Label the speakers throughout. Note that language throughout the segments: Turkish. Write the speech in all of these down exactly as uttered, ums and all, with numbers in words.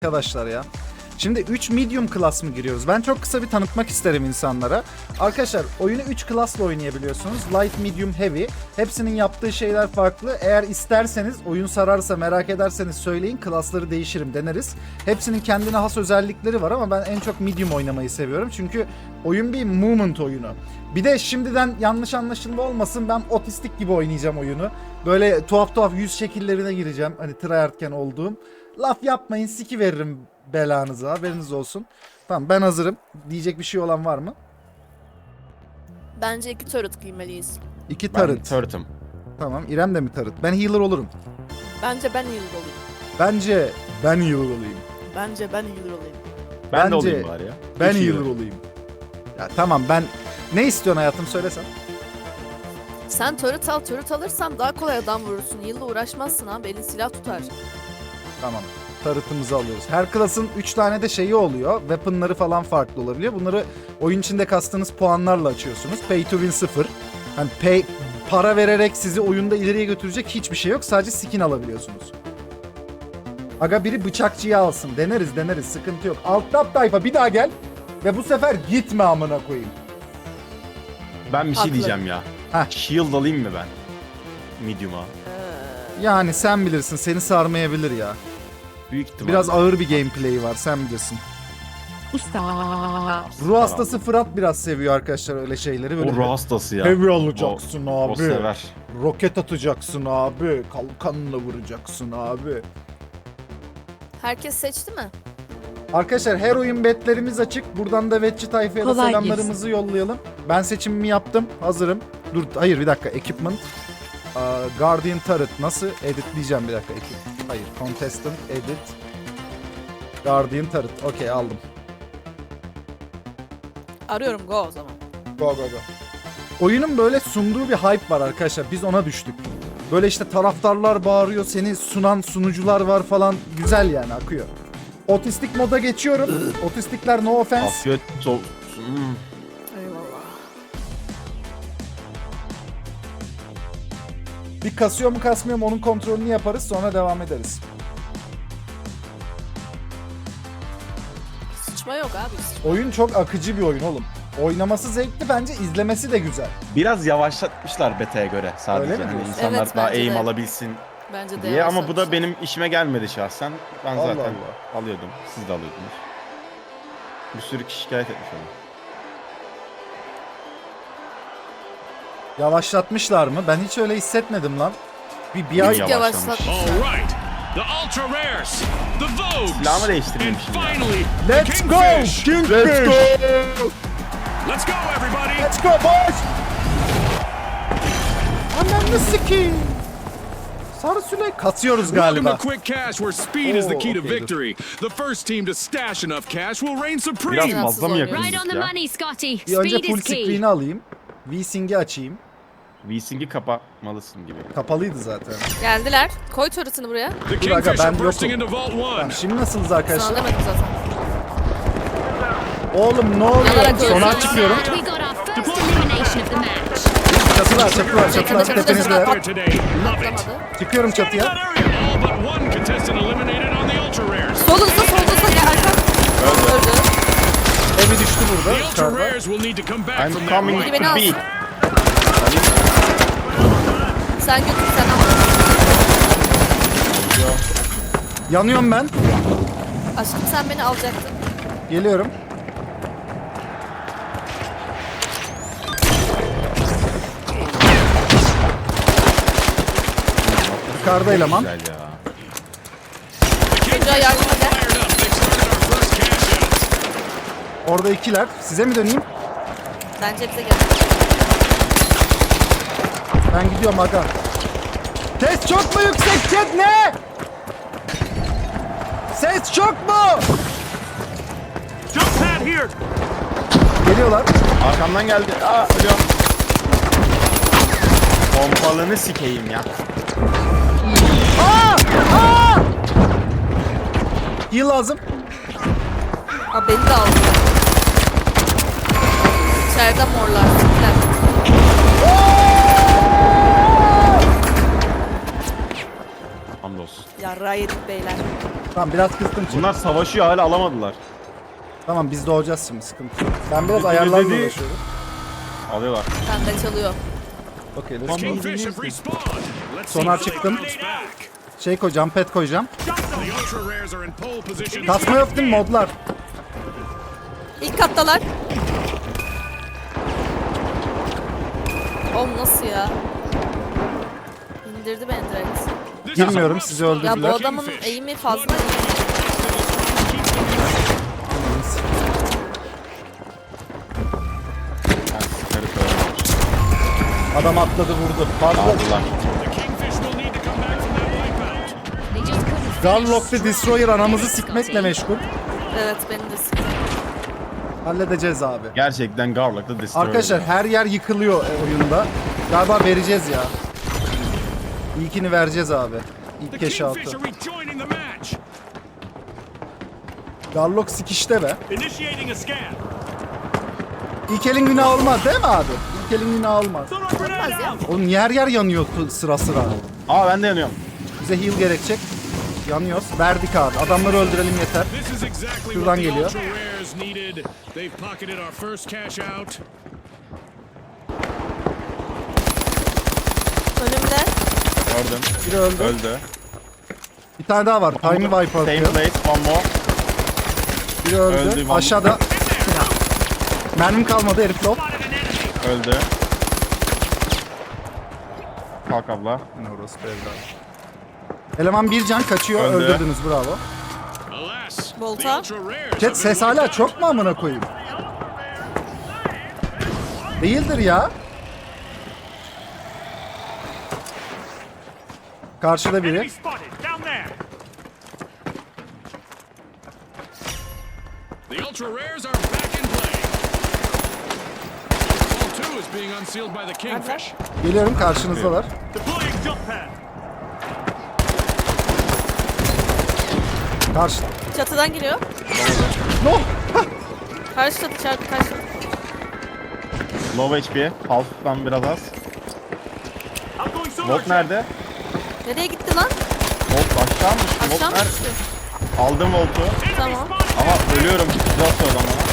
Speaker 1: Arkadaşlar ya. Şimdi üç medium class mı giriyoruz? Ben çok kısa bir tanıtmak isterim insanlara. Arkadaşlar oyunu üç class'la oynayabiliyorsunuz. Light, medium, heavy. Hepsinin yaptığı şeyler farklı. Eğer isterseniz, oyun sararsa, merak ederseniz söyleyin. Class'ları değişirim, deneriz. Hepsinin kendine has özellikleri var ama ben en çok medium oynamayı seviyorum. Çünkü oyun bir movement oyunu. Bir de şimdiden yanlış anlaşılma olmasın, ben otistik gibi oynayacağım oyunu. Böyle tuhaf tuhaf yüz şekillerine gireceğim. Hani tryhardken olduğum. Laf yapmayın, siki veririm belanıza, haberiniz olsun. Tamam, ben hazırım. Diyecek bir şey olan var mı?
Speaker 2: Bence iki turret giymeliyiz.
Speaker 1: İki
Speaker 3: Ben
Speaker 1: turret.
Speaker 3: turret'ım.
Speaker 1: Tamam, İrem de mi turret? Ben healer olurum.
Speaker 2: Bence ben healer olayım.
Speaker 1: Bence ben healer olayım.
Speaker 2: Bence ben healer olayım.
Speaker 3: Ben
Speaker 1: Bence
Speaker 3: de olayım bari ya.
Speaker 1: Ben
Speaker 3: Üç
Speaker 1: healer
Speaker 3: healer.
Speaker 1: olayım. Ya tamam, ben... Ne istiyorsun hayatım, söylesen.
Speaker 2: Sen turret al, turret alırsan daha kolay adam vurursun. Heal'la uğraşmazsın abi, elin silah tutar.
Speaker 1: Tamam. Turret'ımızı alıyoruz. Her klasın üç tane de şeyi oluyor. Weapon'ları falan farklı olabiliyor. Bunları oyun içinde kastığınız puanlarla açıyorsunuz. Pay to win sıfır. Hani pay, para vererek sizi oyunda ileriye götürecek hiçbir şey yok. Sadece skin alabiliyorsunuz. Aga biri bıçakçıyı alsın. Deneriz deneriz, sıkıntı yok. Alt tab tayfa bir daha gel. Ve bu sefer gitme amına koyayım.
Speaker 3: Ben bir şey
Speaker 2: Haklı.
Speaker 3: diyeceğim ya.
Speaker 1: Heh.
Speaker 3: Shield alayım mı ben? Medium'a.
Speaker 1: Yani sen bilirsin, seni sarmayabilir ya.
Speaker 3: Büyük ihtimal.
Speaker 1: Biraz ağır bir gameplay var, sen bilirsin. Ruh hastası Fırat biraz seviyor arkadaşlar öyle şeyleri. Böyle
Speaker 3: O ruh hastası ya.
Speaker 1: heavy alacaksın
Speaker 3: O,
Speaker 1: abi.
Speaker 3: o sever.
Speaker 1: Roket atacaksın abi. Kalkanla vuracaksın abi.
Speaker 2: Herkes seçti mi?
Speaker 1: Arkadaşlar her oyun betlerimiz açık. Buradan da vetçi tayfaya da
Speaker 4: Kolay
Speaker 1: selamlarımızı yollayalım. Ben seçimimi yaptım. Hazırım. Dur hayır bir dakika. Equipment. Aa, Guardian Turret. Nasıl? Editleyeceğim bir dakika. Equip- Hayır. Contestant. Edit. Guardian Turret. Okey, aldım.
Speaker 2: Arıyorum, go o zaman.
Speaker 1: Go go go. Oyunun böyle sunduğu bir hype var arkadaşlar. Biz ona düştük. Böyle işte taraftarlar bağırıyor. Seni sunan sunucular var falan. Güzel yani, akıyor. Otistik moda geçiyorum. Otistikler no offense.
Speaker 3: Afiyet olsun. Hmm.
Speaker 2: Eyvallah.
Speaker 1: Bir kasıyor mu kasmıyor mu onun kontrolünü yaparız. Sonra devam ederiz.
Speaker 2: Sıçma yok abi. Sıçma.
Speaker 1: Oyun çok akıcı bir oyun oğlum. Oynaması zevkli, bence izlemesi de güzel.
Speaker 3: Biraz yavaşlatmışlar beta'ya göre sadece.
Speaker 1: Öyle mi
Speaker 3: Hani
Speaker 1: diyorsun?
Speaker 3: insanlar
Speaker 2: Evet,
Speaker 3: daha
Speaker 2: bence
Speaker 3: aim
Speaker 2: de.
Speaker 3: alabilsin
Speaker 2: Bence de
Speaker 3: diye ama bu da
Speaker 2: yavaşlamışlar.
Speaker 3: benim işime gelmedi şahsen. Ben
Speaker 1: Allah
Speaker 3: zaten
Speaker 1: Allah.
Speaker 3: alıyordum. Siz de alıyordunuz. Bir sürü kişi şikayet etmiş onu.
Speaker 1: Yavaşlatmışlar mı? Ben hiç öyle hissetmedim lan. Bir, bir
Speaker 3: Yavaş-
Speaker 1: ay...
Speaker 2: Çok
Speaker 3: yavaşlamış.
Speaker 2: yavaşlatmışlar.
Speaker 5: All right, the ultra rares, the Vogues,
Speaker 3: Silahımı
Speaker 5: and
Speaker 3: değiştirmemişim ya.
Speaker 5: finally,
Speaker 1: Let's
Speaker 5: the
Speaker 1: go!
Speaker 5: Kingfish.
Speaker 1: Kingfish!
Speaker 5: Let's go, everybody!
Speaker 1: Let's go boys! Ananı sikeyim. Sarı Süley kasıyoruz
Speaker 5: Welcome
Speaker 1: galiba.
Speaker 5: to Quick Cash, where speed is the
Speaker 1: Oh,
Speaker 5: key to
Speaker 1: okay, dur.
Speaker 5: victory. The first team to stash enough cash will reign
Speaker 3: Biraz
Speaker 5: supreme.
Speaker 3: fazla mı
Speaker 2: oynuyor.
Speaker 3: yakındık
Speaker 4: Right on the
Speaker 3: ya?
Speaker 4: money, Scotty.
Speaker 1: Bir önce
Speaker 4: Speed
Speaker 1: full
Speaker 4: is key.
Speaker 1: screen'i alayım. V-Sync'i açayım.
Speaker 3: V-Sync'i kapamalısın gibi.
Speaker 1: Kapalıydı zaten.
Speaker 2: Geldiler. Koy turret'ını buraya.
Speaker 5: The
Speaker 1: Dur aga,
Speaker 5: Kingfish are
Speaker 1: ben
Speaker 5: bursting
Speaker 1: yokum.
Speaker 5: into Vault One.
Speaker 1: Tamam, şimdi nasılsınız
Speaker 2: Sana
Speaker 1: arkadaşlar?
Speaker 2: demedim zaten.
Speaker 1: Oğlum ne oluyor?
Speaker 2: Yanarak
Speaker 1: Sonar
Speaker 2: görüyorsun.
Speaker 1: çıkıyorum.
Speaker 4: We got our first elimination of the match.
Speaker 1: Çatılar, çatılar, çatılar.
Speaker 2: Çatı, çatı,
Speaker 1: Tepenizdeler.
Speaker 5: Here today, love it.
Speaker 2: Atlamadı.
Speaker 1: Çıkıyorum
Speaker 5: Scanning that
Speaker 1: çatıya.
Speaker 5: area. All but one contestant eliminated on the ultra rares.
Speaker 2: Solunuzda, solunuzda. Gel arka. Öldü.
Speaker 1: Evi düştü burada.
Speaker 5: The ultra
Speaker 1: Yukarıda.
Speaker 5: rares will need to come back
Speaker 3: I'm
Speaker 5: from that
Speaker 3: coming
Speaker 5: right.
Speaker 2: Beni
Speaker 3: to
Speaker 2: al.
Speaker 3: B.
Speaker 2: Sen götür, sen al.
Speaker 1: Yanıyorum ben.
Speaker 2: Aşkım sen beni alacaktın.
Speaker 1: Geliyorum. Yukarıda eleman.
Speaker 3: Güzel ya.
Speaker 2: Çocuğa yardıma gel.
Speaker 5: Fired up. They've started our first cash out.
Speaker 1: Orada ikiler. Size mi döneyim?
Speaker 2: Bence bize gel.
Speaker 1: Ben gidiyorum aga. Ses çok mu yüksek chat, ne? Ses çok mu?
Speaker 5: Jump pad here.
Speaker 1: Geliyorlar.
Speaker 3: Arkamdan geldi. Aa ölüyorum. Pompalını sikeyim ya.
Speaker 1: Aa! Aa! Heal lazım.
Speaker 2: Ha beni de aldı. İçeride morlar. Sikler.
Speaker 3: Hamdolsun.
Speaker 2: Yarrağı yedik beyler.
Speaker 1: Tamam biraz kıstım Çet.
Speaker 3: Bunlar savaşıyor hala alamadılar.
Speaker 1: Tamam biz doğacağız şimdi, sıkıntı yok. Ben biraz
Speaker 3: Dedi,
Speaker 1: ayarlarla
Speaker 3: dedi.
Speaker 1: uğraşıyorum.
Speaker 3: Alıyorlar.
Speaker 2: Bende çalıyor.
Speaker 1: Okey, let's go.
Speaker 5: Kingfish have respawned. Let's see
Speaker 1: Sonar
Speaker 5: if they
Speaker 1: çıktım.
Speaker 5: bounce back.
Speaker 1: Şey koyacağım, pet koyacağım.
Speaker 5: The ultra rares are in pole position.
Speaker 1: Kasma yok değil mi modlar?
Speaker 2: İlk kattalar. Oğlum nasıl ya? İndirdi beni direkt.
Speaker 5: This is a
Speaker 1: Girmiyorum,
Speaker 5: rough
Speaker 1: sizi
Speaker 5: start.
Speaker 1: öldürdüler.
Speaker 2: Ya bu adamın eğimi fazla.
Speaker 3: Yani sıkarı koyamamış.
Speaker 1: Adam atladı vurdu. Fazla.
Speaker 3: Aldılar.
Speaker 5: The Kingfish will need to come back from that wipeout.
Speaker 4: They just couldn't
Speaker 1: Garlock
Speaker 4: finish
Speaker 1: the Destroyer anamızı sikmekle meşgul.
Speaker 2: Evet beni de sıkıyor.
Speaker 1: Halledeceğiz abi.
Speaker 3: Gerçekten Garlock'ta Destroyer.
Speaker 1: Arkadaşlar her yer yıkılıyor e, oyunda. Galiba vereceğiz ya. İlkini vereceğiz abi.
Speaker 5: The
Speaker 1: İlk keşi altı.
Speaker 5: Kingfish are rejoining the match.
Speaker 1: Garlock sikişte be.
Speaker 5: Initiating a scan.
Speaker 1: İlk elin günah olmaz değil mi abi? İlk elin günah olmaz.
Speaker 5: Sonar grenade out.
Speaker 1: Oğlum yer yer yanıyor tu- sıra sıra.
Speaker 3: Aa ben de yanıyorum.
Speaker 1: Bize heal gerekecek. Yanıyoruz. Verdik abi. Adamları öldürelim yeter.
Speaker 5: This is exactly
Speaker 1: Şuradan
Speaker 5: what the
Speaker 1: geliyor.
Speaker 5: ultra rares needed. They've pocketed our first cash out.
Speaker 2: Önümde.
Speaker 3: Gördüm.
Speaker 1: Biri öldü.
Speaker 3: Öldü.
Speaker 1: Bir tane daha var. Time wipe
Speaker 3: Same
Speaker 1: atıyor.
Speaker 3: place, one more.
Speaker 1: Biri öldü.
Speaker 3: Öldü, vallahi.
Speaker 1: Aşağıda. Mermim kalmadı, herif low.
Speaker 3: Öldü. Kalk abla.
Speaker 1: Eleman bir can kaçıyor.
Speaker 3: Öldü.
Speaker 1: Öldürdünüz, bravo.
Speaker 5: Alas, the
Speaker 2: Volta.
Speaker 5: ultra rares
Speaker 1: Chat
Speaker 5: have
Speaker 1: ses
Speaker 5: been
Speaker 1: hala
Speaker 5: wiped
Speaker 1: çok mu amına koyayım? Değildir ya. Karşıda biri.
Speaker 5: spotted down there. The ultra rares are back in play. Ball two is being unsealed by the Kingfish.
Speaker 1: Geliyorum, karşınızdalar.
Speaker 5: Deploying jump pad.
Speaker 1: Karşı.
Speaker 2: Çatıdan giriyor.
Speaker 1: No.
Speaker 2: Karşı çatı çarpı karşı çatı.
Speaker 3: Low H P. Half'tan biraz az.
Speaker 5: I'm going sonar
Speaker 3: Volt nerede?
Speaker 2: Nereye gitti lan?
Speaker 3: Volt aşağımış. Volt
Speaker 2: Aşağı mı
Speaker 3: nerede?
Speaker 2: düştü?
Speaker 3: Aldım Volt'u.
Speaker 2: Tamam.
Speaker 3: Ama ölüyorum. Güzel sonra bana.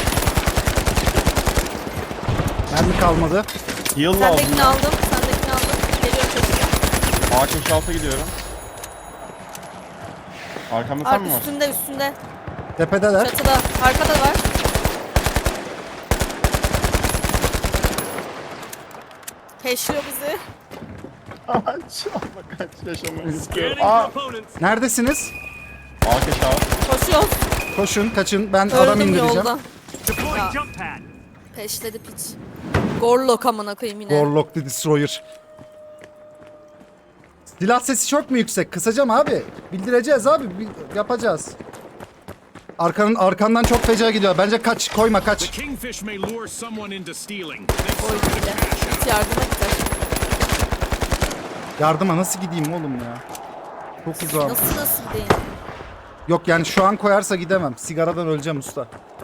Speaker 1: Mermi kalmadı.
Speaker 3: Heal lazım.
Speaker 2: Sendekini aldım. Sendekini aldım. Geliyorum çatıya.
Speaker 3: Ağaç inşaata gidiyorum. Arkamda sen
Speaker 2: Ark
Speaker 3: mi var?
Speaker 2: üstünde üstünde.
Speaker 1: Tepedeler.
Speaker 2: Çatıda. Arkada var. Peşliyor bizi.
Speaker 3: Ağaç. Ama kaç yaşamayı istiyorum.
Speaker 5: Scanning
Speaker 3: Aa.
Speaker 5: for opponents.
Speaker 1: Neredesiniz?
Speaker 3: Ağaç aşağı.
Speaker 2: Koşuyoruz.
Speaker 1: Koşun, kaçın. Ben adam
Speaker 2: Öldüm
Speaker 1: indireceğim.
Speaker 2: yolda.
Speaker 5: Deploying jump pad.
Speaker 2: Peşledi piç. Gorlok amına koyayım yine.
Speaker 1: Warlock the Destroyer. Silah sesi çok mu yüksek? Kısacağım abi. Bildireceğiz abi. Bil- yapacağız. Arkanın arkandan çok feci gidiyor. Bence kaç. Koyma
Speaker 5: The
Speaker 1: kaç.
Speaker 5: Kingfish may lure someone into stealing. They've
Speaker 2: Oy
Speaker 5: started
Speaker 2: bile.
Speaker 5: a cash out.
Speaker 2: Git yardıma gider.
Speaker 1: Yardıma nasıl gideyim oğlum ya? Çok uzağım.
Speaker 2: Nasıl nasıl gideyim?
Speaker 1: Yok yani şu an koyarsa gidemem. Sigaradan öleceğim usta.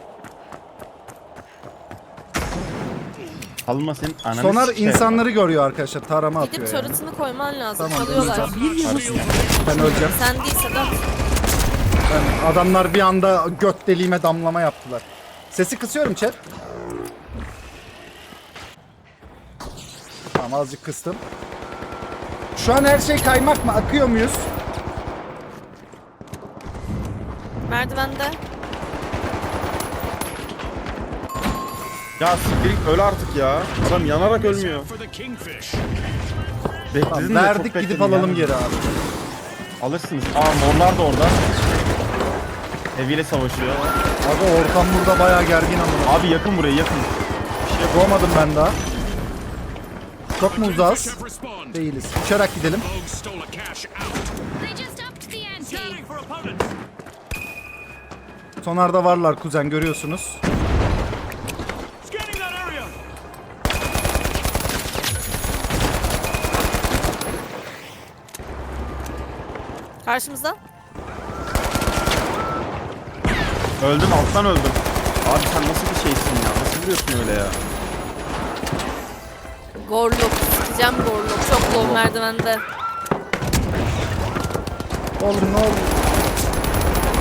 Speaker 3: Alma senin ananı
Speaker 1: Sonar
Speaker 3: sikeyim.
Speaker 1: insanları görüyor arkadaşlar. Tarama
Speaker 2: Gidip
Speaker 1: atıyor yani.
Speaker 2: turret'ını koyman lazım.
Speaker 1: Tamam,
Speaker 2: Çalıyorlar.
Speaker 1: Ben öleceğim.
Speaker 2: Sen değilse de
Speaker 1: Ben, adamlar bir anda göt deliğime damlama yaptılar. Sesi kısıyorum chat. Tamam, azıcık kıstım. Şu an her şey kaymak mı? Akıyor muyuz?
Speaker 2: merdivende.
Speaker 3: Ya siktir git, öl artık ya. Adam yanarak ölmüyor.
Speaker 5: For the Kingfish.
Speaker 3: Bekledin
Speaker 1: Tamam,
Speaker 3: de çok
Speaker 1: verdik,
Speaker 3: bekledin
Speaker 1: gidip alalım
Speaker 3: ya.
Speaker 1: geri abi.
Speaker 3: Alırsınız. Aa morlar da orada. Eviyle savaşıyor.
Speaker 1: Abi ortam burada bayağı gergin ama.
Speaker 3: Abi yakın buraya yakın.
Speaker 1: Doğmadım ben daha. Çok mu
Speaker 5: Kingfish
Speaker 1: uzağız?
Speaker 5: have respawned.
Speaker 1: Değiliz. Uçarak gidelim.
Speaker 5: Rogue stole a cash out.
Speaker 4: They just upped the ante.
Speaker 5: Scanning for opponents.
Speaker 1: Sonarda varlar kuzen, görüyorsunuz.
Speaker 5: Scanning that area.
Speaker 2: Karşımızda.
Speaker 3: Öldüm alttan öldüm. Abi sen nasıl bir şeysin ya? Nasıl vuruyorsun öyle ya?
Speaker 2: Gorlok. Sikeceğim Gorlok. Çok low merdivende.
Speaker 1: Oğlum ne oldu?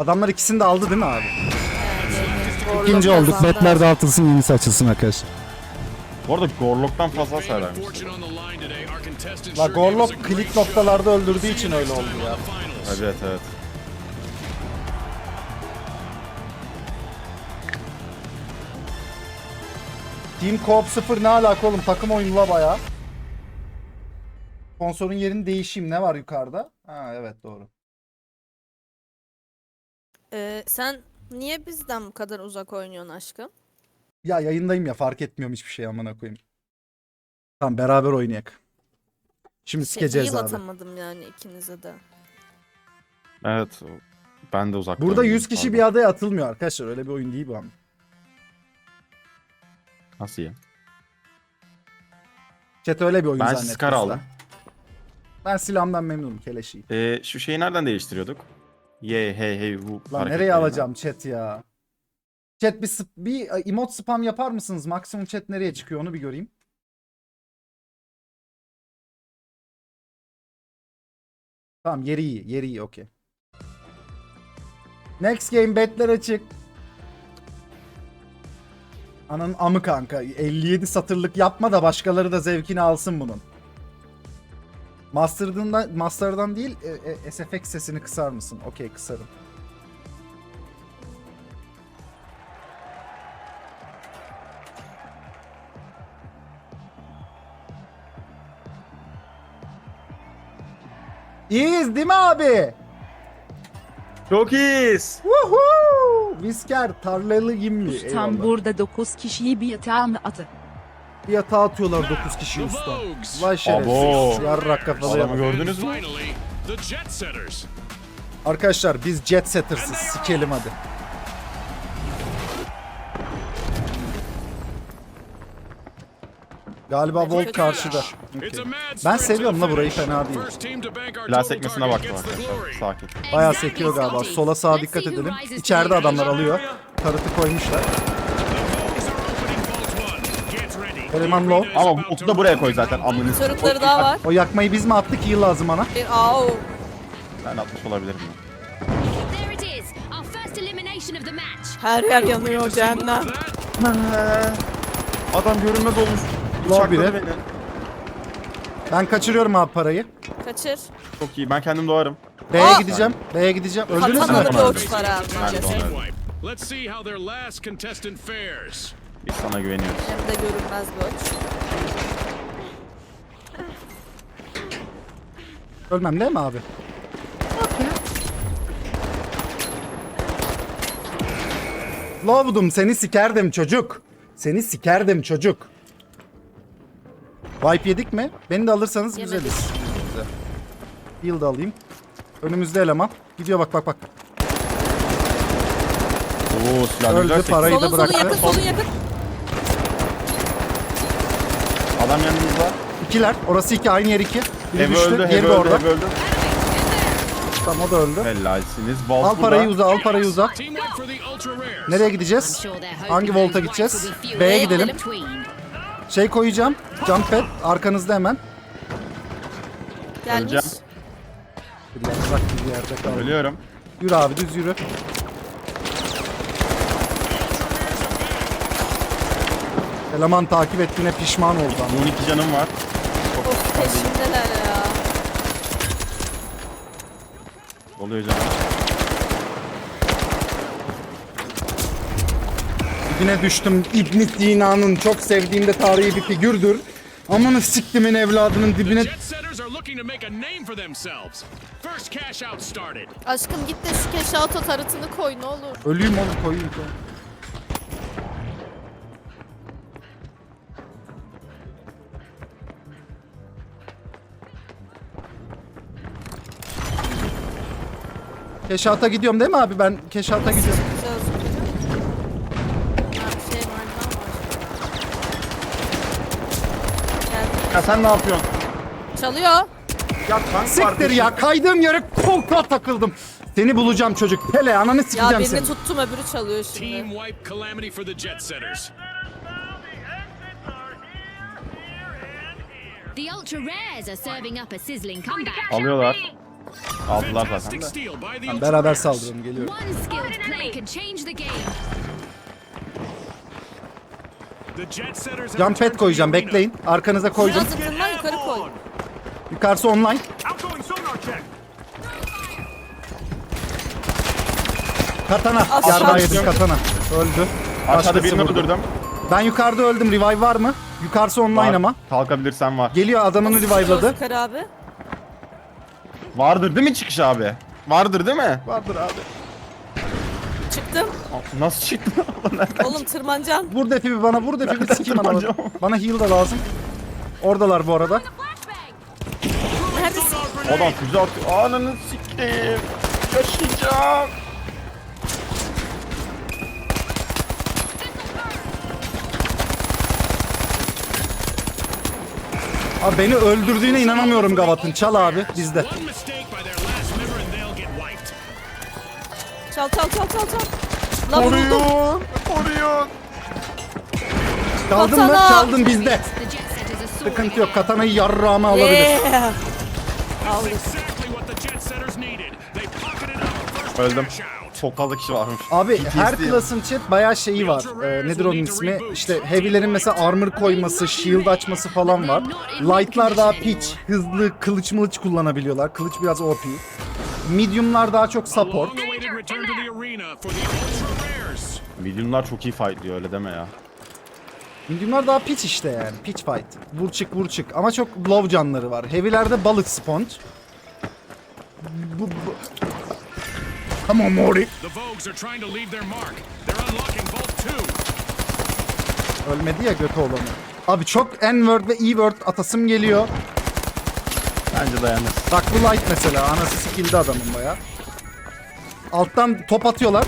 Speaker 1: Adamlar ikisini de aldı değil mi abi?
Speaker 2: Gorlok
Speaker 1: İkinci olduk.
Speaker 2: kazandı.
Speaker 1: Betler dağıtılsın, yenisi açılsın arkadaşlar.
Speaker 3: Bu arada Gorlok'tan fazla hasar vermiş.
Speaker 5: Fortune on the line today. Our contestant
Speaker 1: La
Speaker 5: sure gave us a
Speaker 1: Gorlok
Speaker 5: great
Speaker 1: kilit
Speaker 5: show.
Speaker 1: noktalarda öldürdüğü
Speaker 5: See
Speaker 1: için
Speaker 5: you
Speaker 1: öyle
Speaker 5: next
Speaker 1: oldu
Speaker 5: time
Speaker 1: ya.
Speaker 5: on the finals.
Speaker 3: Evet evet.
Speaker 1: Team Co-op sıfır ne alaka oğlum? Takım oyunu la bayağı. Sponsorun yerini değişeyim. Ne var yukarıda? Ha evet doğru.
Speaker 2: Ee, sen niye bizden bu kadar uzak oynuyorsun aşkım?
Speaker 1: Ya yayındayım ya, fark etmiyorum hiçbir şey, amına koyayım. Tamam beraber oynayak. Şimdi
Speaker 2: Şey,
Speaker 1: sikeceğiz
Speaker 2: heal
Speaker 1: abi.
Speaker 2: atamadım yani ikinize de.
Speaker 3: Evet. Ben de uzak.
Speaker 1: Burada yüz kişi bir adaya atılmıyor arkadaşlar. Öyle bir oyun değil bu ama.
Speaker 3: Nasıl ya?
Speaker 1: Chat öyle bir oyun
Speaker 3: Ben
Speaker 1: zannettim.
Speaker 3: Scar aldım.
Speaker 1: Ben silahımdan memnunum, keleşi.
Speaker 3: Ee, şu şeyi nereden değiştiriyorduk? Ye hey hey hu.
Speaker 1: Lan
Speaker 3: hareketlerini.
Speaker 1: nereye alacağım chat ya? Chat bir, sp- bir e, emote spam yapar mısınız? Maksimum chat nereye çıkıyor onu bir göreyim. Tamam yeri iyi. Yeri iyi okey. Next game betler açık. Ananın amı kanka. elli yedi satırlık yapma da başkaları da zevkini alsın bunun. Master'dan, Master'dan değil e, e, S F X sesini kısar mısın? Okey kısarım. İyiyiz değil mi abi?
Speaker 3: Çok iyiyiz.
Speaker 1: Woohoo! Visker tarlalı gimli.
Speaker 6: Tam
Speaker 1: Eyvallah.
Speaker 6: burada dokuz kişiyi bir yatağa mı atı?
Speaker 1: Bir yatağa atıyorlar dokuz kişi
Speaker 5: The
Speaker 1: usta.
Speaker 5: Vogues.
Speaker 1: Vay şerefsiz.
Speaker 3: Abo.
Speaker 1: Yarrak kafalı
Speaker 3: Adamı
Speaker 1: yapar.
Speaker 3: gördünüz mü?
Speaker 5: Finally, the Jet Setters.
Speaker 1: Arkadaşlar biz jet setters'ız. Sikelim hadi. Galiba Volt karşıda.
Speaker 5: It's
Speaker 1: Okey.
Speaker 5: a mad
Speaker 1: Ben
Speaker 5: sprint
Speaker 1: seviyorum
Speaker 5: to
Speaker 1: la burayı,
Speaker 5: finish.
Speaker 1: fena değil.
Speaker 5: First team to bank our
Speaker 3: Silah
Speaker 5: total
Speaker 3: sekmesine
Speaker 5: target
Speaker 3: baktım
Speaker 5: gets the
Speaker 3: arkadaşlar.
Speaker 5: glory.
Speaker 3: Sakin.
Speaker 1: Bayağı
Speaker 4: Exactly,
Speaker 1: sekiyor galiba.
Speaker 4: Scotty.
Speaker 1: Sola sağa
Speaker 4: Let's
Speaker 1: dikkat
Speaker 4: see who
Speaker 1: edelim.
Speaker 4: rises
Speaker 1: İçeride
Speaker 4: to the
Speaker 1: adamlar
Speaker 4: occasion.
Speaker 1: alıyor. Tarıtı koymuşlar.
Speaker 5: The Vogues are opening Vault one. Get ready.
Speaker 1: Eleman
Speaker 5: The
Speaker 1: low.
Speaker 5: arena is
Speaker 3: Ama
Speaker 5: about
Speaker 3: Utku
Speaker 5: to
Speaker 3: da buraya
Speaker 5: rock
Speaker 3: koy
Speaker 5: and
Speaker 3: zaten
Speaker 5: rumble.
Speaker 3: amını.
Speaker 2: Turretları daha var.
Speaker 1: O yakmayı biz mi attık? Heal lazım bana.
Speaker 2: Bir au.
Speaker 3: Ben atmış olabilirim.
Speaker 4: There it is, our first elimination of the match.
Speaker 2: Her yer yanıyor cehennem.
Speaker 3: Adam görünmez olmuş.
Speaker 1: Low
Speaker 3: Bıçakladı
Speaker 1: biri.
Speaker 3: beni.
Speaker 1: Ben kaçırıyorum abi parayı.
Speaker 2: Kaçır.
Speaker 3: Çok iyi. Ben kendim doğarım.
Speaker 1: B'ye
Speaker 2: Aa!
Speaker 1: gideceğim. B'ye gideceğim. Öldünüz
Speaker 2: Katanalı
Speaker 1: mü?
Speaker 2: bir uçlar abi.
Speaker 3: Ben de
Speaker 5: Team
Speaker 3: doğarım.
Speaker 5: wipe. Let's see how their last contestant fares.
Speaker 3: Biz sana güveniyoruz.
Speaker 2: Hem de görünmez bir uç.
Speaker 1: Ölmem değil mi abi? Love'dum seni sikerdim çocuk. Seni sikerdim çocuk. Wipe yedik mi? Beni de alırsanız
Speaker 2: Yemedik.
Speaker 1: güzeliz. Güzel. Heal da alayım. Önümüzde eleman. Gidiyor bak bak bak.
Speaker 3: Oo silah
Speaker 1: Öldü,
Speaker 3: güzel sekti.
Speaker 1: parayı da
Speaker 2: Solun solun
Speaker 1: bıraktı.
Speaker 2: yakın solun yakın.
Speaker 3: Adam yanımızda.
Speaker 1: İkiler. Orası iki. Aynı yer iki. Biri
Speaker 3: Ev
Speaker 1: düştü.
Speaker 3: öldü,
Speaker 1: Diğeri
Speaker 3: ev
Speaker 1: de
Speaker 3: öldü,
Speaker 1: orada.
Speaker 3: ev öldü.
Speaker 1: Tamam o da öldü.
Speaker 3: Helalsiniz. Vault
Speaker 1: Al parayı uza, al parayı uza.
Speaker 5: Team wipe for the ultra rares.
Speaker 1: Nereye
Speaker 4: I'm
Speaker 1: gideceğiz?
Speaker 4: sure they're hoping
Speaker 1: Hangi
Speaker 4: those
Speaker 1: volta
Speaker 4: wipes
Speaker 1: gideceğiz?
Speaker 4: will be few
Speaker 1: B'ye
Speaker 4: and
Speaker 1: gidelim.
Speaker 4: between.
Speaker 1: Şey koyacağım. Jump pad. Arkanızda hemen.
Speaker 2: Gelmiş.
Speaker 3: Öleceğim.
Speaker 1: Bir yaprak bir yerde kaldı.
Speaker 3: Ölüyorum.
Speaker 1: Yürü abi düz yürü. Eleman takip ettiğine pişman oldu ama.
Speaker 3: on iki canım var.
Speaker 2: Of peşimdeler ya.
Speaker 3: Oluyor canım.
Speaker 1: Dibine düştüm. İbn Sina'nın çok sevdiğim de tarihi bir figürdür. Amanı siktimin evladının dibine...
Speaker 5: Jet Setters are looking to make a name for themselves. First cash out started.
Speaker 2: Aşkım git de şu keşauta tarıtını koy ne olur.
Speaker 1: Öleyim oğlum koyayım. koyayım. Keşata gidiyorum değil mi abi? Ben Keşata gidiyorum.
Speaker 2: Güzel Ha, bir şey var daha var. Geldi.
Speaker 3: Ya sen ne yapıyorsun?
Speaker 2: Çalıyor.
Speaker 3: Ya tank
Speaker 1: Siktir ya, kaydığım yere koltuğa takıldım. Seni bulacağım çocuk. Pele ananı
Speaker 2: Ya
Speaker 1: sikeceğim
Speaker 2: birini
Speaker 1: seni.
Speaker 2: tuttum öbürü çalıyor
Speaker 5: Team
Speaker 2: şimdi.
Speaker 5: wipe calamity for the Jet Setters.
Speaker 4: The ultra rares are serving up a sizzling comeback.
Speaker 3: Alıyorlar. Aldılar zaten
Speaker 5: Fantastic
Speaker 3: de.
Speaker 5: steal by the
Speaker 1: Ben
Speaker 5: Ultra
Speaker 1: beraber
Speaker 5: Rares.
Speaker 1: saldıralım, geliyorum.
Speaker 4: One skilled play can change the game.
Speaker 5: The Jet Setters have
Speaker 1: Jump
Speaker 5: returned
Speaker 1: pad
Speaker 5: to
Speaker 1: koyacağım,
Speaker 5: the arena.
Speaker 1: bekleyin. Arkanıza koydum.
Speaker 2: Biraz ıkınma yukarı koy.
Speaker 1: Yukarısı online.
Speaker 5: Outgoing sonar check.
Speaker 1: Katana.
Speaker 2: Aşağı
Speaker 1: Yarbağı
Speaker 2: düştüm.
Speaker 1: yedim katana. Öldü.
Speaker 3: Aşağıda
Speaker 1: Başkası
Speaker 3: birini
Speaker 1: vurdu.
Speaker 3: öldürdüm.
Speaker 1: Ben yukarıda öldüm. Revive var mı? Yukarısı online
Speaker 3: Var.
Speaker 1: ama.
Speaker 3: Kalkabilirsen var.
Speaker 1: Geliyor, adamını revive'ladı.
Speaker 2: Yukarı abi.
Speaker 3: Vardır değil mi çıkış abi? Vardır değil mi?
Speaker 1: Vardır abi.
Speaker 2: Çıktım.
Speaker 3: Nasıl çıktı?
Speaker 2: Oğlum tırmanacaksın.
Speaker 1: Vur defi bir bana, vur defi bir sikeyim anamı.
Speaker 3: Tırmanacağım.
Speaker 1: Bana heal da lazım. Oradalar bu arada.
Speaker 2: Neredesin?
Speaker 3: Adam füze atıyor. Ananı sikeyim. Yaşayacağım.
Speaker 1: Abi beni öldürdüğüne inanamıyorum Gavat'ın. Çal abi bizde.
Speaker 5: One mistake by their last member and they'll get wiped.
Speaker 2: Çal çal çal çal çal. La vuruldum.
Speaker 3: Koruyun. Koruyun.
Speaker 1: Çaldın mı?
Speaker 2: Katana.
Speaker 1: Çaldın bizde.
Speaker 4: The Jet Setters are soaring
Speaker 1: Sıkıntı yok.
Speaker 4: ahead.
Speaker 1: Katanayı yarrağıma alabilir.
Speaker 2: Yeah.
Speaker 5: That's exactly what the Jet Setters needed. They pocketed up first
Speaker 3: Öldüm.
Speaker 5: cash out.
Speaker 3: Çok fazla kişi varmış.
Speaker 1: Abi
Speaker 3: P T S D.
Speaker 1: her klasın chat bayağı şeyi var. Ee, nedir onun ismi? İşte heavy'lerin mesela armor koyması, shield açması falan var. Light'lar daha pitch, hızlı, kılıç mılıç kullanabiliyorlar. Kılıç biraz O P. Medium'lar daha çok support.
Speaker 5: Long-awaited return to the arena for the Ultra Rares.
Speaker 3: Milyonlar çok iyi fightlıyor öyle deme ya.
Speaker 1: Medium'lar daha pitch işte yani. Pitch fight. Vur çık vur çık. Ama çok low canları var. Heavy'lerde bullet sponge. Bu, bu. Come on Mori.
Speaker 5: The Vogues are trying to leave their mark. They're unlocking Vault two.
Speaker 1: Ölmedi ya götü olanı. Abi çok N-word ve E-word atasım geliyor.
Speaker 3: Bence dayanır.
Speaker 1: Bak bu light mesela. Anası sikildi adamın baya. Alttan top atıyorlar.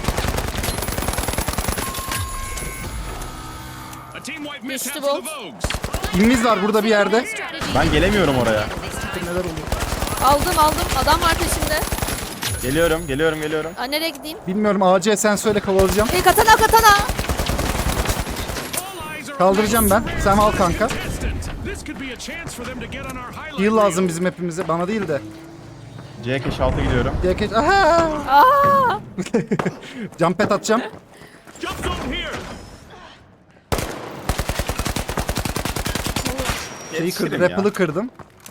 Speaker 5: A team wipe mishap
Speaker 2: Düştü
Speaker 5: for the
Speaker 2: Bolt.
Speaker 5: Vogues.
Speaker 1: İlmiz var burada bir yerde.
Speaker 4: Strategy
Speaker 3: Ben gelemiyorum oraya.
Speaker 1: Neler oluyor?
Speaker 2: Aldım aldım. Adam var peşimde.
Speaker 3: Geliyorum, geliyorum, geliyorum.
Speaker 2: Aa, nereye gideyim?
Speaker 1: Bilmiyorum, A C sen söyle, kovalayacağım.
Speaker 2: Hey katana katana.
Speaker 5: All eyes are
Speaker 1: Kaldıracağım ben. Sen al kanka.
Speaker 5: contestant. This could be a chance for them to get on our highlight
Speaker 1: Heal lazım
Speaker 5: reel.
Speaker 1: bizim hepimize. Bana değil de.
Speaker 3: C keş altı gidiyorum.
Speaker 1: Geç. Aha!
Speaker 2: Aa!
Speaker 1: Jump pad atacağım.
Speaker 5: Jump zone here.
Speaker 1: Şeyi kırdım.
Speaker 3: Yetişirim ya.
Speaker 1: Rappel'ı kırdım.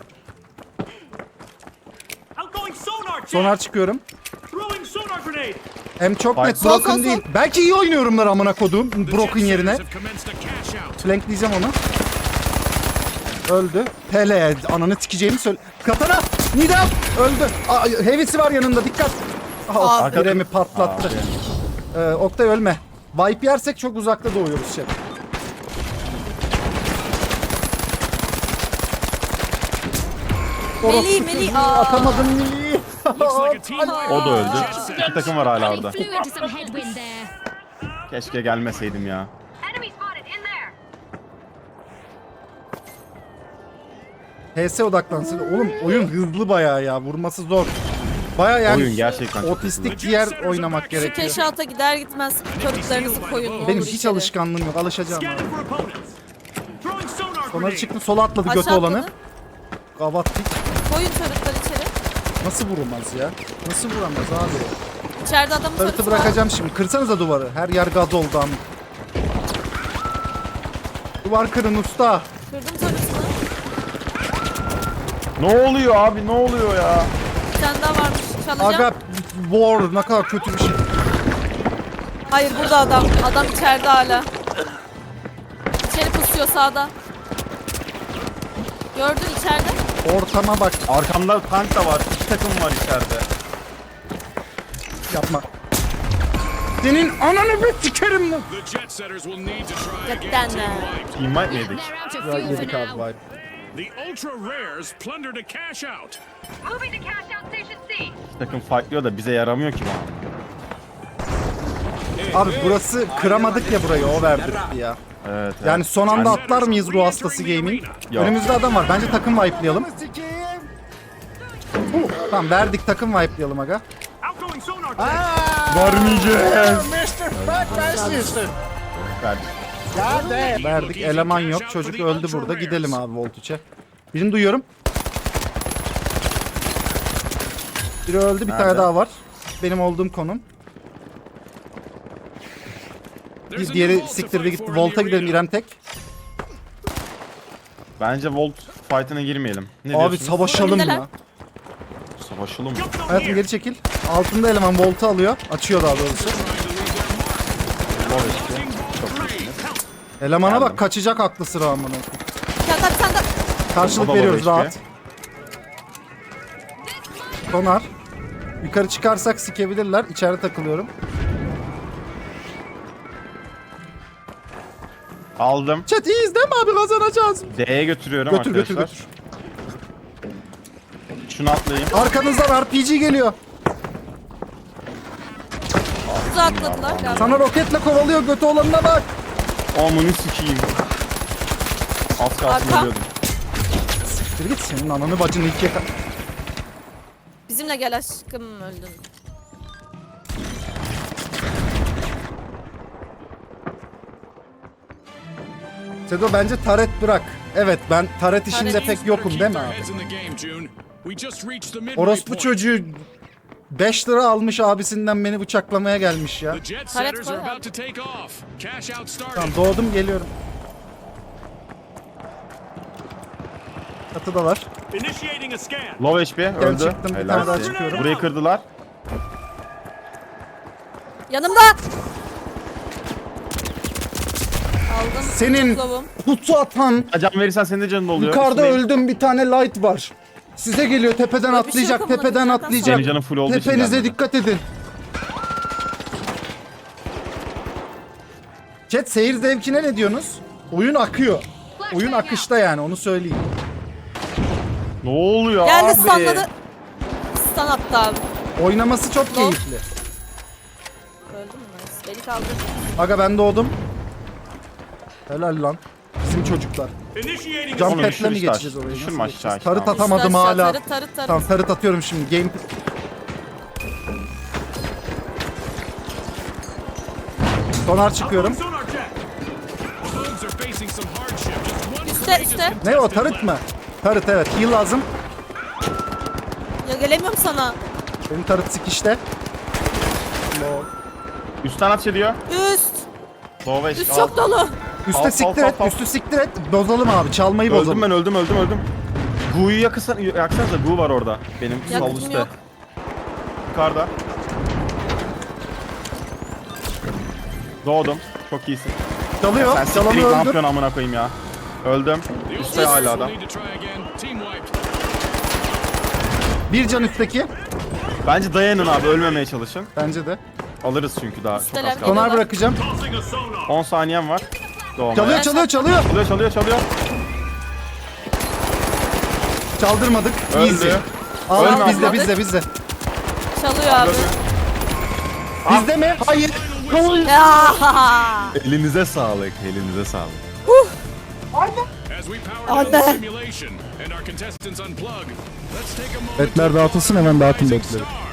Speaker 5: Outgoing sonar check.
Speaker 1: Sonar çıkıyorum.
Speaker 5: Throwing sonar grenade.
Speaker 1: Hem çok
Speaker 3: Bak,
Speaker 1: net
Speaker 2: sol,
Speaker 1: broken
Speaker 2: sol,
Speaker 1: değil. Belki iyi oynuyorumlar amına kodum.
Speaker 5: The
Speaker 1: Broken
Speaker 5: Jet
Speaker 1: yerine.
Speaker 5: Setters have commenced a cash out.
Speaker 1: Flankleyeceğim onu. Öldü. Pele ananı sikeceğimi söyle. Katana! Nidam! Öldü. Aa, heavy'si var yanında, dikkat. Ah,
Speaker 2: Abi.
Speaker 1: Biremi patlattı. Ee, Oktay ölme. Vibe yersek çok uzakta doğuyoruz şey.
Speaker 2: Meli meli. Aa.
Speaker 1: Atamadım Meli.
Speaker 5: Looks like a team wipe.
Speaker 3: O da öldü.
Speaker 5: Jet Setters.
Speaker 3: İki takım var hala
Speaker 4: They
Speaker 3: orada.
Speaker 4: flew into some headwind there.
Speaker 3: Keşke gelmeseydim ya.
Speaker 4: Enemy spotted in there.
Speaker 1: H S odaklansın. Oğlum oyun hızlı bayağı ya. Vurması zor. Bayağı yani
Speaker 3: Oyun gerçekten çok
Speaker 1: otistik diğer oynamak
Speaker 2: Şu
Speaker 1: gerekiyor.
Speaker 2: keşalta gider gitmez körüklerinizi koyun. ne
Speaker 1: Benim
Speaker 2: olur
Speaker 1: hiç
Speaker 2: içeri.
Speaker 1: alışkanlığım yok. Alışacağım. abi.
Speaker 5: Scanning for opponents. Throwing sonar
Speaker 1: Onları
Speaker 5: grenade.
Speaker 1: çıktı, sola atladı götü
Speaker 2: Aşağı
Speaker 1: olanı.
Speaker 2: atladı.
Speaker 1: Gavat pik.
Speaker 2: Koyun körükler içeri.
Speaker 1: Nasıl vurulmaz ya? Nasıl vuramaz abi?
Speaker 2: İçeride adamın
Speaker 1: Tarıtı
Speaker 2: körüsü var.
Speaker 1: bırakacağım şimdi. Kırsanıza duvarı. Her yer gaz oldu am. Duvar kırın usta.
Speaker 2: Kırdım körüsünü.
Speaker 3: Ne oluyor abi, ne oluyor ya?
Speaker 2: Bir tane daha varmış. Çalacağım.
Speaker 1: Aga war ne kadar kötü bir şey.
Speaker 2: Hayır burada adam. Adam içeride hala. İçeri pusuyor sağda. Gördün içeride.
Speaker 1: Ortama bak.
Speaker 3: Arkamda tank da var. İki takım var içeride.
Speaker 1: Yapma. Senin ananı bir sikerim lan.
Speaker 5: The Jet Setters will need to try again.
Speaker 2: Gökten
Speaker 5: Team
Speaker 2: ne?
Speaker 5: wiped.
Speaker 3: Invite mi yedik?
Speaker 4: They're out of
Speaker 1: Ya
Speaker 4: fuel for
Speaker 1: yedik abi
Speaker 4: now.
Speaker 1: vibe.
Speaker 5: The Ultra Rares plundered a cash out.
Speaker 4: Moving to cash out station C.
Speaker 3: İki takım fightlıyor da bize yaramıyor ki bu.
Speaker 1: Abi burası kıramadık ya burayı, o verdirtti ya.
Speaker 3: Evet, evet.
Speaker 1: Yani son anda
Speaker 3: Yani-
Speaker 1: atlar mıyız ruh hastası gaming?
Speaker 3: Yok.
Speaker 1: Önümüzde adam var. Bence takım wipe'layalım. Tamam verdik, takım wipe'layalım aga.
Speaker 5: Outgoing sonar check.
Speaker 3: Vermeyeceğiz. Verdik.
Speaker 1: Verdik, eleman yok. Çocuk öldü burada. Gidelim abi Voltuç'e. Birini duyuyorum. Biri öldü, bir
Speaker 3: Nerede?
Speaker 1: tane daha var. Benim olduğum konum.
Speaker 5: There's
Speaker 1: Bir
Speaker 5: a
Speaker 1: diğeri
Speaker 5: new vault to
Speaker 1: siktirdi
Speaker 5: fight
Speaker 1: gitti.
Speaker 5: for in the
Speaker 1: Volt'a gidelim
Speaker 5: arena.
Speaker 1: İrem tek.
Speaker 3: Bence Volt fight'ına girmeyelim. Ne
Speaker 1: Abi
Speaker 3: diyorsunuz?
Speaker 1: savaşalım
Speaker 2: Önündeler.
Speaker 1: ya.
Speaker 3: Savaşalım.
Speaker 1: Hayatım geri çekil. Altında eleman Volt'u alıyor. Açıyor daha doğrusu.
Speaker 3: Love işte. Çok iyisiniz.
Speaker 1: Elemana
Speaker 3: Geldim.
Speaker 1: bak, kaçacak aklı sıra amına.
Speaker 2: Bir tane daha bir tane daha.
Speaker 1: Karşılık
Speaker 3: O da
Speaker 1: veriyoruz
Speaker 3: love H P.
Speaker 1: rahat. Sonar. Yukarı çıkarsak sikebilirler. İçeride takılıyorum.
Speaker 3: Aldım.
Speaker 1: Chat iyiyiz değil mi abi, kazanacağız.
Speaker 3: D'ye götürüyorum
Speaker 1: Götür götür
Speaker 3: arkadaşlar.
Speaker 1: götür.
Speaker 3: Şunu atlayayım.
Speaker 1: Arkanızdan R P G geliyor.
Speaker 2: Tuzağa atladılar galiba.
Speaker 1: Sana roketle kovalıyor, götü olanına bak.
Speaker 3: Amını sikeyim. Az kalsın
Speaker 2: Arka.
Speaker 3: ölüyordum.
Speaker 1: Siktir git, senin ananı bacını ikiye ka-
Speaker 2: Bizimle gel aşkım, öldün.
Speaker 1: Sedo bence taret bırak. Evet, ben taret işinde
Speaker 2: Taret
Speaker 1: pek yokum
Speaker 5: Keep
Speaker 1: değil mi
Speaker 5: their
Speaker 1: abi?
Speaker 5: heads in the game, June. We just reached the midway
Speaker 1: Orospu
Speaker 5: point.
Speaker 1: çocuğu beş lira almış abisinden beni bıçaklamaya gelmiş ya.
Speaker 5: The jet
Speaker 2: Taret
Speaker 5: setters
Speaker 2: koy
Speaker 5: are
Speaker 2: abi.
Speaker 5: about to take off. Cash out started.
Speaker 1: Tamam, doğdum geliyorum. Çatıdalar.
Speaker 5: Initiating a scan.
Speaker 3: Low H P öldü.
Speaker 1: çıktım, bir
Speaker 3: Helal
Speaker 1: tane daha
Speaker 3: size.
Speaker 1: çıkıyorum.
Speaker 3: Burayı kırdılar.
Speaker 2: Yanımda. Aldım.
Speaker 1: Senin
Speaker 2: Kılavum.
Speaker 1: kutu atan
Speaker 3: Can verirsen senin de canın oluyor.
Speaker 1: yukarıda
Speaker 3: Üstüne-
Speaker 1: öldüm, bir tane light var. Size geliyor, tepeden
Speaker 2: Böyle bir şey
Speaker 1: atlayacak,
Speaker 2: yok amına
Speaker 1: tepeden
Speaker 2: koyayım,
Speaker 1: atlayacak.
Speaker 3: Senin canın full olduğu için
Speaker 1: Tepenize
Speaker 3: gelmedi.
Speaker 1: dikkat edin. Chat, seyir zevkine ne diyorsunuz? Oyun akıyor. Oyun akışta yani, onu söyleyeyim.
Speaker 3: Ne oluyor
Speaker 2: Geldi,
Speaker 3: abi?
Speaker 2: stunladı. Stun attı abi.
Speaker 1: Oynaması çok keyifli.
Speaker 2: Öldü mü? Nice. Beni kaldır.
Speaker 1: Aga ben doğdum. Helal lan. Bizim çocuklar.
Speaker 5: Initiating
Speaker 1: Cam
Speaker 3: Onu
Speaker 1: petle
Speaker 3: düşür
Speaker 1: mi
Speaker 3: işte
Speaker 1: geçeceğiz
Speaker 3: aşağı.
Speaker 1: orayı?
Speaker 3: Düşürme
Speaker 1: Nasıl
Speaker 3: aşağı
Speaker 1: geçeceğiz?
Speaker 3: işte
Speaker 1: Tarıt
Speaker 3: abi.
Speaker 1: atamadım
Speaker 2: Aşağı,
Speaker 1: hala.
Speaker 2: Tarıt tarıt tarıt.
Speaker 1: Tamam, tarıt atıyorum şimdi. Game... Sonar çıkıyorum.
Speaker 5: sonar jet. The bugs are facing some hardship. Just one
Speaker 2: Üste,
Speaker 5: courageous
Speaker 2: üste.
Speaker 1: Ne o,
Speaker 5: contestant
Speaker 1: tarıt
Speaker 5: left.
Speaker 1: mı? Tarıt, evet. Heal lazım.
Speaker 2: Ya gelemiyorum sana.
Speaker 1: Benim tarıt sikişte.
Speaker 3: Üstten at ediyor.
Speaker 2: Üst.
Speaker 3: Low H P.
Speaker 2: Üst çok dolu.
Speaker 1: Üste
Speaker 3: Al,
Speaker 1: siktir
Speaker 3: al,
Speaker 1: et,
Speaker 3: al, al.
Speaker 1: üstü siktir et. Bozalım abi, çalmayı
Speaker 3: Öldüm
Speaker 1: bozalım.
Speaker 3: ben öldüm öldüm öldüm. Gu'yu yakırsan, yaksanıza Gu var orada. Benim sol
Speaker 2: Yakıtım
Speaker 3: üstte.
Speaker 2: yok.
Speaker 3: Yukarıda. Doğdum. Çok iyisin.
Speaker 1: Çalıyor,
Speaker 3: Sen siktir git,
Speaker 1: çalanı
Speaker 3: ne
Speaker 1: öldür.
Speaker 3: yapıyorsun amına koyayım ya. Öldüm.
Speaker 5: The
Speaker 3: Üstte
Speaker 5: Ultimate
Speaker 3: hala
Speaker 5: will
Speaker 3: da.
Speaker 5: need to try again. Team wiped.
Speaker 1: Bir can üstteki.
Speaker 3: Bence dayanın abi, ölmemeye çalışın.
Speaker 1: Bence de.
Speaker 3: Alırız çünkü daha çok
Speaker 2: Üsteler
Speaker 3: az kaldı.
Speaker 1: Sonar
Speaker 2: Geliyorlar.
Speaker 1: bırakacağım.
Speaker 3: on saniyem var. Doğmaya.
Speaker 1: Çalıyor, çalıyor, çalıyor.
Speaker 3: Çalıyor çalıyor çalıyor.
Speaker 1: Çaldırmadık.
Speaker 3: Öldü.
Speaker 1: Easy. Aa,
Speaker 3: Ölme
Speaker 1: bizde,
Speaker 2: abla.
Speaker 1: bizde, bizde.
Speaker 2: Çalıyor abi.
Speaker 1: Bizde mi? Hayır.
Speaker 2: Ya.
Speaker 3: Elinize sağlık, elinize sağlık.
Speaker 5: As we power down the
Speaker 2: Anne.
Speaker 5: simulation and our contestants unplug, let's take a moment
Speaker 1: Betler
Speaker 5: to
Speaker 1: dağıtılsın,
Speaker 5: applaud
Speaker 1: hemen
Speaker 5: our
Speaker 1: dağıtın
Speaker 5: rising
Speaker 1: betleri.
Speaker 5: stars.